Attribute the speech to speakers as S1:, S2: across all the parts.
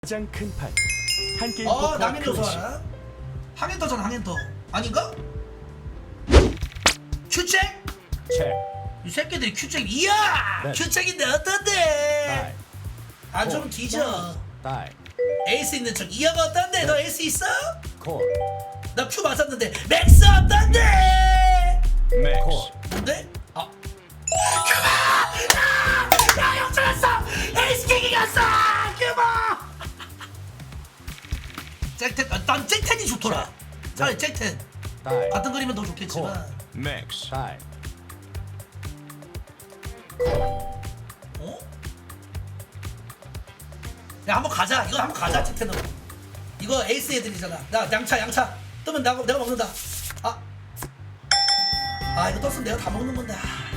S1: 가장 큰 판. 한 게임
S2: 남인도 좋아. 항엔터잖아, 항엔터. 아닌가? 큐잭?
S1: 책.
S2: 이 새끼들이 큐잭. 이야!
S1: 네.
S2: 큐잭인데 어떤데?
S1: 다이.
S2: 안 좀 뒤져.
S1: 다이.
S2: 에이스 있는 척. 이야가 어떤데? 너 에이스 있어?
S1: 콜.
S2: 나 큐 맞았는데. 맥스 어떤데?
S1: 맥스.
S2: 뭔데? 아. 큐바! 야, 역전했어! 에이스 킥 이겼어! 큐바! 잭텐, 난 잭텐이 좋더라. 차라리 잭텐.
S1: 다이.
S2: 같은 그림은 더 좋겠지만.
S1: 맥스. 다이.
S2: 어? 야, 한번 가자. 이거 한번 가자, 잭텐으로. 이거 에이스 애들이잖아. 나 양차. 뜨면 내가 먹는다. 이거 떴으면 내가 다 먹는 건데.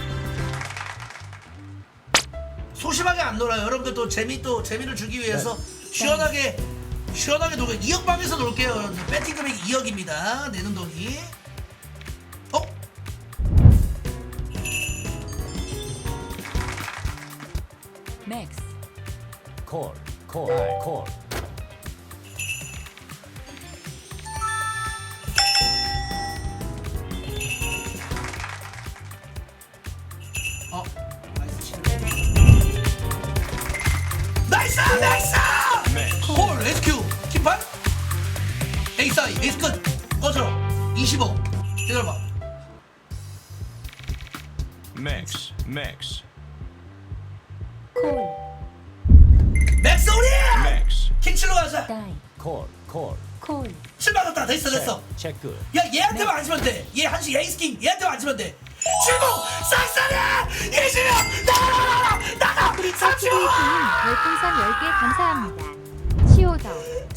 S2: 소심하게 안 놀아요. 여러분들도 재미를 주기 위해서 시원하게 놀게요. 2억 방에서 놀게요. 여러분들. 배팅 금액이 2억입니다. 내는 돈이.
S3: 맥스
S1: 콜. 다이. 콜.
S2: 나이스!
S1: 맥스.
S2: 콜 SQ 킴판 에이스 아이 에이스 끝 꺼져 25 기다려봐
S1: 맥스.
S3: 콜
S2: 맥스 우리
S1: 맥스.
S2: 킹칠로 가자
S3: 다이
S1: 콜.
S3: 콜
S2: 7만 왔다 됐어
S1: 체크.
S2: 야 얘한테만 안 지면 돼얘 한식 에이스 킹 얘한테만 안 지면 돼 75 싹싹해 20명 나가 35
S3: 별풍선 10개 감사합니다. 치오더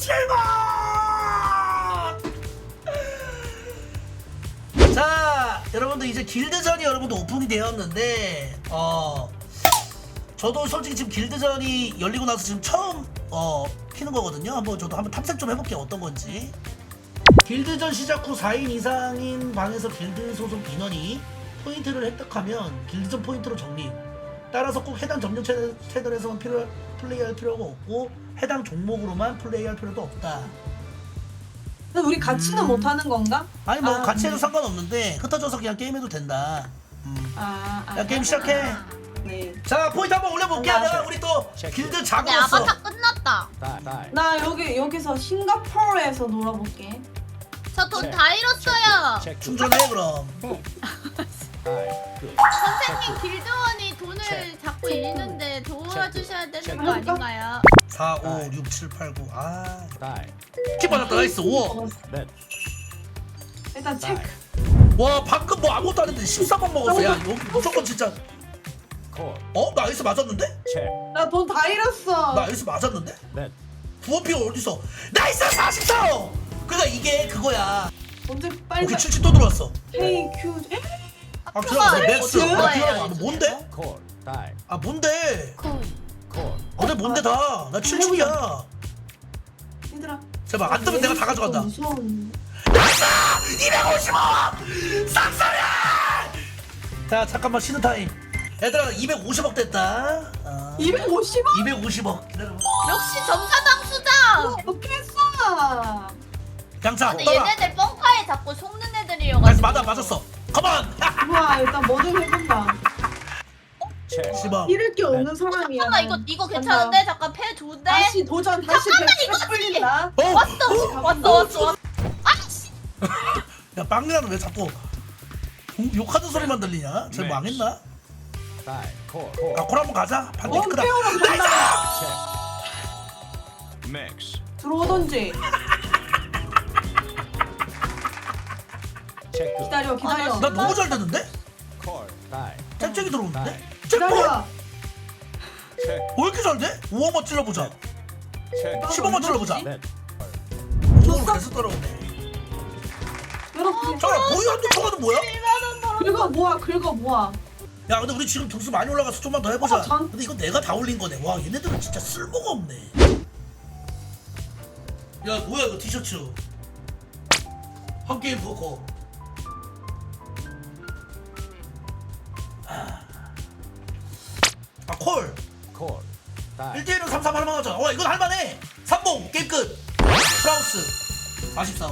S2: 7번 자 여러분들 이제 길드전이 여러분들 오픈이 되었는데 저도 솔직히 지금 길드전이 열리고 나서 지금 처음 피는 거거든요. 저도 한번 탐색 좀 해볼게요. 어떤 건지. 길드전 시작 후 4인 이상인 방에서 길드 소속 인원이 포인트를 획득하면 길드전 포인트로 적립. 따라서 꼭 해당 점령 채널에서만 플레이할 필요가 없고 해당 종목으로만 플레이할 필요도 없다.
S4: 근데 우리 같이는 못 하는 건가?
S2: 아니 뭐 같이 해도 상관없는데 흩어져서 그냥 게임해도 된다. 야 게임 시작해.
S4: 네.
S2: 자 포인트 한번 올려볼게.
S4: 나
S2: 내가 우리 또
S1: 체크.
S2: 길드
S5: 네,
S2: 작업했어.
S5: 아바타 끝났다.
S1: 다이.
S4: 나 여기서 싱가포르에서 놀아볼게.
S5: 저 돈
S1: 네.
S5: 다 잃었어요.
S1: 체크.
S2: 충전해 그럼.
S3: 네
S1: 다이. 끝.
S5: 선생님 길드원이 돈을
S1: 체크.
S5: 자꾸 잃는데 도와주셔야 되는
S1: 체크.
S5: 거 아닌가요?
S2: 4, 5, 6, 7, 8, 9.
S1: 다이.
S2: 키 받았다. 나이스. 5.
S1: 넷.
S4: 일단
S1: 다이.
S4: 체크.
S2: 와 방금 뭐 아무것도 안 했는데 14번 먹었어. 야 이거 무조건 진짜.
S1: 콜.
S2: 나이스 맞았는데?
S1: 체크.
S4: 나 돈 다 잃었어.
S2: 나이스 맞았는데?
S1: 넷.
S2: 부어피가 어디서? 나이스 44. 그러니까 이게 그거야.
S4: 언제 빨리.
S2: 오케이 70 또 들어왔어.
S4: 헤이 큐.
S2: 기다려. 맥스.
S5: 어떡해.
S2: 기다려. 뭔데?
S1: 콜. 다이.
S2: 뭔데?
S3: 콜
S1: 콜.
S2: 뭔데 다? 나 77이야.
S4: 얘들아.
S2: 제발 안 뜨면 내가 다 가져간다.
S4: 무서운.
S2: 250억! 싹싹해! 자 잠깐만 쉬는 타임. 얘들아 250억 됐다.
S4: 250원?
S2: 250억 기다려봐.
S5: 역시 점사당 수장.
S4: 어떻게 했어?
S2: 양차
S5: 근데
S2: 떠라.
S5: 얘네들 뻥카에 자꾸 속는
S2: 나이스
S5: 애들이어가지고.
S2: 맞았어. 컴온.
S4: 우와 일단 뭐 좀 해본다.
S1: 체크.
S2: 10억.
S4: 잃을 게 없는 사람이야.
S5: 잠깐만 이거 괜찮은데? 잠깐 패 좋은데?
S4: 다시 도전 다시
S5: 잠깐만,
S4: 백스
S5: 이거
S4: 풀린다.
S5: 왔어. 아이씨.
S2: 야 빵이라는 왜 자꾸 욕하는 소리만 들리냐? 쟤
S1: 맥스.
S2: 망했나?
S1: 다이. 콜.
S2: 콜 한번 가자. 반대 크다.
S4: 태우러 간다.
S1: 체크. 맥스.
S4: 들어오던지.
S1: 체크.
S4: 기다려.
S2: 나 너무 잘 되는데?
S1: 콜. 다이.
S2: 쨍쨍이 들어오는데?
S1: 다이.
S2: 쨍 뭐?
S4: 기다려.
S1: 체크.
S2: 왜 이렇게 잘 돼? 5억만 찔러보자.
S1: 체크.
S2: 15번 찔러보자.
S1: 넷.
S2: 5억으로 계속 따라오네.
S4: 여러분.
S2: 잠깐만 보이한테 초과는 뭐야?
S4: 긁어 모아.
S2: 야 근데 우리 지금 등수 많이 올라가서 좀만 더 해보자.
S4: 전-
S2: 근데 이거 내가 다 올린 거네. 와 얘네들은 진짜 쓸모가 없네. 야 뭐야 이거 티셔츠. 한 게임 포커. 콜.
S1: 콜. 다이.
S2: 1대1은 3-3 할만하죠. 이건 할만해. 3번 박스 44호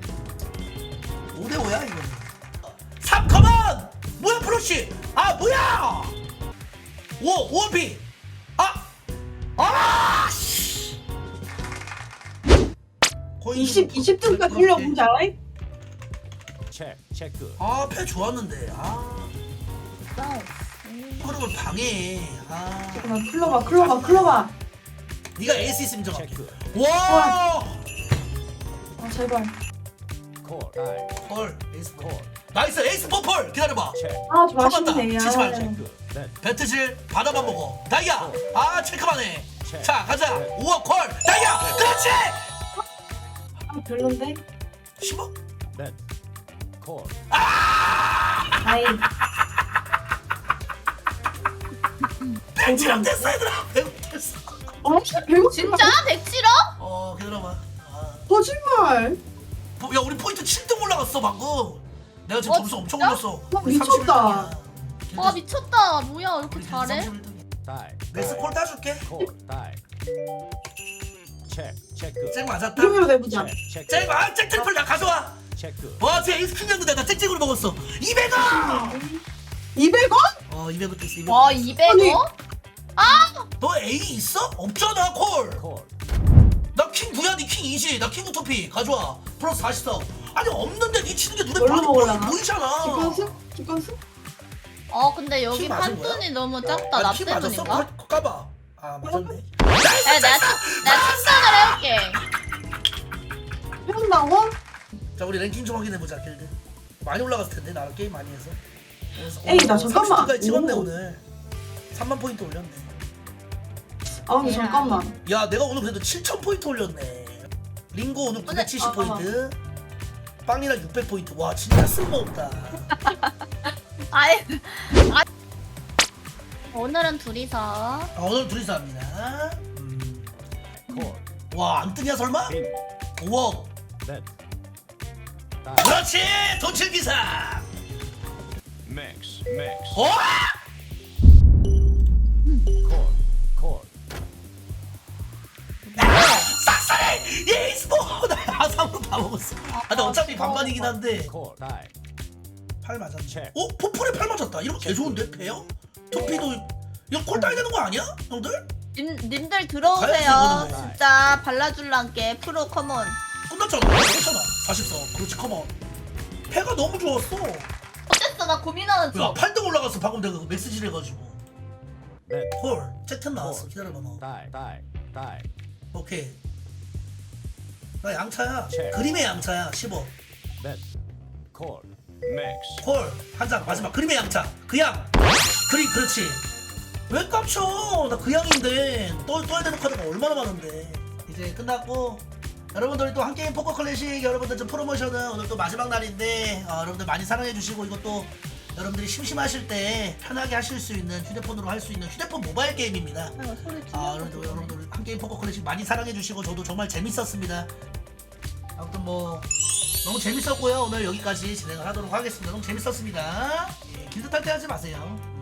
S2: 5대5야 이거는 3 컴온 뭐야 프로시 아 뭐야 5 5피 씨
S4: 20등까지 흘려 뭔지 알아?
S1: 체크. 체크.
S2: 아패 좋았는데 흐름을 방해해
S4: 잠깐만 클로바
S2: 네가 에이스 있으면 좀
S1: 체크.
S2: 와!
S4: 아 제발
S1: 콜. 다이.
S2: 펄 에이스 펄
S1: 콜.
S2: 나이스 에이스 펄 기다려봐
S1: 체크.
S4: 아 좀
S2: 잡았다.
S4: 아쉽네
S2: 치지 말자.
S1: 체크. 넷.
S2: 배트질 받아만 먹어 다이아 체크만 해
S1: 체크.
S2: 자 가자 5억 콜 다이아 그렇지
S4: 아 별론데?
S2: 10억
S1: 넷. 콜.
S4: 아이
S2: 배트랑 됐어 얘들아 배트했어
S4: 아 배고
S5: 진짜? 107억?
S2: 기다려봐
S4: 거짓말
S2: 야 우리 포인트 7등 올라갔어 방금 내가 지금 점수 엄청
S5: 진짜?
S2: 올렸어
S4: 와,
S2: 우리
S4: 미쳤다.
S2: 31등이야.
S5: 와 미쳤다. 뭐야 왜 이렇게 잘해?
S1: 다이.
S2: 렉스 콜 따줄게
S1: 콜. 다이. 체크. 체크.
S2: 쨍 맞았다
S4: 이름으로 내보자
S1: 체크.
S2: 쨍 트리플 나 가져와
S1: 체크.
S2: 와 쟤 에이스 킹이었는데 나 쨍쨍으로 먹었어 200원
S4: 200원?
S2: 200원 됐어 200원
S5: 와 200억?
S2: 너 A 있어? 없잖아 콜
S1: 콜.
S2: 나 킹 부야 니킹 20, 나 킹 우토피 가져와 플러스 44 아니 없는데 니 치는 게 눈에
S4: 뭘로
S2: 많이
S4: 먹으려나?
S2: 보이잖아
S4: 기권수?
S5: 근데 여기
S2: 키 맞은
S5: 판돈이 너무 작다. 나
S2: 키 맞았어?
S5: 때문인가?
S2: 까봐 맞았네
S5: 야, 내가 측정을 해올게.
S4: 해본다고?
S2: 자 우리 랭킹 좀 확인해보자 길드 많이 올라갔을 텐데 나랑 게임 많이 해서 그래서,
S4: 에이, 나 잠깐만.
S2: 30등까지 찍었네
S4: 오.
S2: 오늘 3만 포인트 올렸네
S4: 아 근데 잠깐만
S2: 야 내가 오늘 그래도 7,000포인트 올렸네 링고 오늘 970포인트 빵이랑 600포인트 와 진짜 쓸모없다
S5: 아이, 오늘은 둘이서.
S2: 오늘 둘이서 합니다
S1: 콜.
S2: 와 안 뜨냐 설마?
S1: 빈.
S2: 5억
S1: 넷. 다이.
S2: 그렇지 도칠기사
S1: 맥스. 맥스.
S2: 어?
S1: 콜. 콜.
S2: 싹싹해 예이스포 나 아삼으로 다 먹었어 근데 어차피 반반이긴 한데
S1: 콜. 다이.
S2: 8 맞았네
S1: 체크.
S2: 포풀에 8 맞았다 이러면 개 좋은데 패요? 토피도 이거 콜 따야 되는 거 아니야 형들?
S5: 님들
S2: 가야지,
S5: 들어오세요.
S2: 이거는.
S5: 진짜 발라줄란게 프로 커먼.
S2: 끝났잖아 괜찮아 44 그렇지 컴온 패가 너무 좋았어
S5: 어땠어? 나 고민하는
S2: 야
S5: 중.
S2: 8등 올라갔어 방금 내가 그 맥스질 해가지고
S1: 넷.
S2: 콜 채튼 나왔어 기다려봐 너
S1: 다이. 다이. 다이.
S2: 오케이 나 양차야
S1: 체크.
S2: 그림의 양차야 15
S1: 넷. 콜. 맥스.
S2: 콜 한 장 마지막 그림의 양차 그양 그림 그렇지 왜 깜쳐 나 그양인데 떠야 되는 카드가 얼마나 많은데 이제 끝났고 여러분들이 또 한게임 포커 클래식 여러분들 좀 프로모션은 오늘 또 마지막 날인데 여러분들 많이 사랑해주시고 이것도 여러분들이 심심하실 때 편하게 하실 수 있는 휴대폰으로 할 수 있는 휴대폰 모바일 게임입니다 여러분들 한게임 포커 클래식 많이 사랑해주시고 저도 정말 재밌었습니다 아무튼 뭐 너무 재밌었고요 오늘 여기까지 진행을 하도록 하겠습니다 너무 재밌었습니다 예, 길드 탈퇴하지 마세요